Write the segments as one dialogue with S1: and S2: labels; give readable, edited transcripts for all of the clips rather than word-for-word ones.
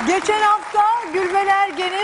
S1: Geçen hafta Gülben Ergen'in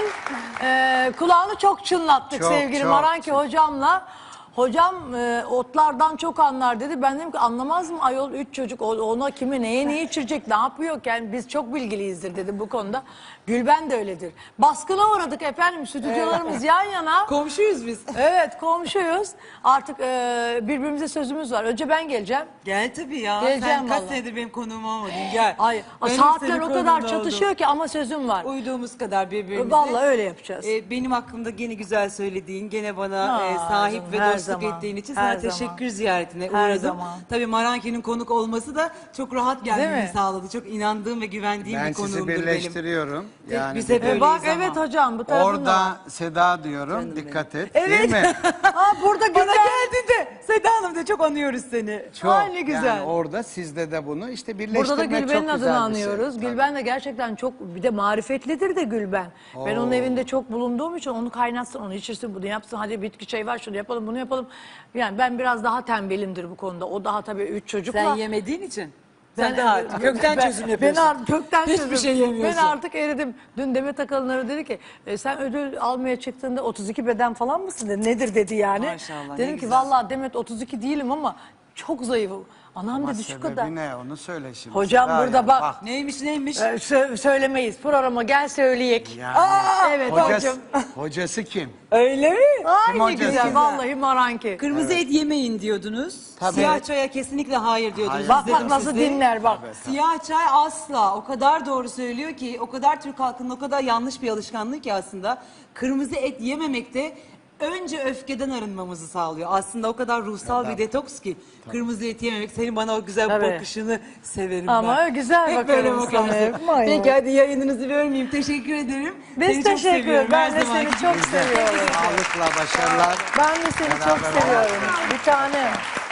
S1: kulağını çok çınlattık
S2: Çok,
S1: sevgili
S2: çok.
S1: Maranki hocamla. Hocam otlardan çok anlar dedi. Ben dedim ki anlamaz mı ayol 3 çocuk ona kimi neye neyi içirecek ne yapıyor yani biz çok bilgiliyizdir dedim bu konuda. Gülben de öyledir. Baskına uğradık efendim stüdyolarımız yan yana.
S3: Komşuyuz biz.
S1: Evet komşuyuz. Artık birbirimize sözümüz var. Önce ben geleceğim.
S3: Gel tabii ya.
S1: Geleceğim
S3: Sen kaç
S1: vallahi.
S3: senedir benim konuğum olmadın. Gel.
S1: Ay,
S3: Benim
S1: saatler
S3: senin
S1: o kadar
S3: konuğun
S1: çatışıyor
S3: oldum.
S1: ki ama sözüm var.
S3: Uyduğumuz kadar birbirimize.
S1: Vallahi öyle yapacağız.
S3: Benim hakkımda gene güzel söylediğin, gene bana
S1: Aa,
S3: sahip
S1: canım,
S3: ve
S1: her
S3: dostluk
S1: zaman,
S3: ettiğin için
S1: her
S3: sana
S1: zaman.
S3: teşekkür ziyaretine
S1: Her
S3: uğradım.
S1: zaman.
S3: Tabii Maranki'nin konuk olması da çok rahat
S1: Değil
S3: gelmemi
S1: mi?
S3: sağladı. Çok inandığım ve güvendiğim
S2: Ben
S3: bir konuğumdur
S2: sizi
S3: benim.
S2: birleştiriyorum. Yani
S3: Biz hep
S2: bir de
S3: öyleyiz
S1: Bak
S3: ama.
S1: evet hocam bu tarafında var.
S2: orada Seda diyorum.
S3: Canım
S2: Dikkat et.
S1: Evet.
S2: Değil mi?
S1: Ha burada
S3: Bana
S1: Gülben.
S3: geldi de Seda Hanım da çok anıyoruz seni.
S2: Çok.
S1: Ay, ne güzel.
S2: Yani orada sizde de bunu işte birleştirmek
S1: Burada da
S2: çok
S1: Gülben'in
S2: güzel
S1: adını
S2: bir
S1: anıyoruz.
S2: şey.
S1: Gülben de gerçekten çok bir de marifetlidir de Gülben. Ben onun evinde çok bulunduğum için onu kaynatsın, onu içirsin, bunu yapsın. Hadi bitki çayı var şunu yapalım, bunu yapalım. Yani ben biraz daha tembelimdir bu konuda. O daha tabii 3 çocukla.
S3: Sen yemediğin için. Sen de artık kökten çözüm
S1: Ben
S3: yapıyorsun.
S1: artık kökten
S3: Hiçbir
S1: çözüm.
S3: şey yemiyorsun.
S1: Ben artık eridim. Dün Demet Akalınları dedi ki sen ödül almaya çıktığında 32 beden falan mısın dedi. Nedir dedi yani.
S3: Maşallah, ne
S1: Dedim ki
S3: güzel.
S1: vallahi Demet 32 değilim ama çok zayıfım. Anam
S2: Ama
S1: dedi şu
S2: sebebi
S1: kadar.
S2: ne onu söyle şimdi.
S1: Hocam
S2: Seda
S1: burada
S2: yani.
S1: bak.
S3: Neymiş neymiş?
S1: Söylemeyiz. Programa gel söyleyek.
S2: Yani,
S1: Evet
S2: hocası,
S1: hocam.
S2: hocası kim?
S3: Öyle mi?
S1: Ay ne
S2: hocası?
S1: güzel. Vallahi Maranki.
S3: Kırmızı et yemeyin diyordunuz.
S2: Tabii.
S3: Siyah çaya kesinlikle hayır diyordunuz.
S2: Hayır.
S1: Bak bak
S3: İzledim
S1: nasıl
S3: sizi.
S1: dinler bak.
S3: Siyah çay asla. O kadar doğru söylüyor ki, o kadar Türk halkının o kadar yanlış bir alışkanlık ki aslında. Kırmızı et yememek de önce öfkeden arınmamızı sağlıyor. Aslında o kadar ruhsal bir detoks ki. Kırmızı et yememek. Senin bana o güzel
S1: Tabii.
S3: bakışını severim
S1: Ama
S3: ben.
S1: güzel
S3: Hep böyle
S1: bakarım sana,
S3: bakarsın.
S1: hep manyak.
S3: Peki hadi yayınınızı bölmeyeyim. Teşekkür ederim.
S1: Biz
S3: Seni çok
S1: teşekkür
S3: seviyorum
S1: ederiz. Ben
S3: her
S1: de
S3: zaman.
S1: seni çok seviyorum.
S2: Sağlıkla başarılar.
S1: Ben de seni çok
S2: Beraber
S1: seviyorum. Bir tane.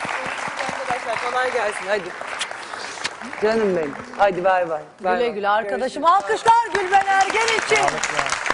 S3: Arkadaşlar kolay gelsin hadi. Canım benim. Hadi bay bay. Bay
S1: Güle
S3: bay.
S1: güle arkadaşım. Alkışlar Gülben Ergen için.
S2: Sağlıkla.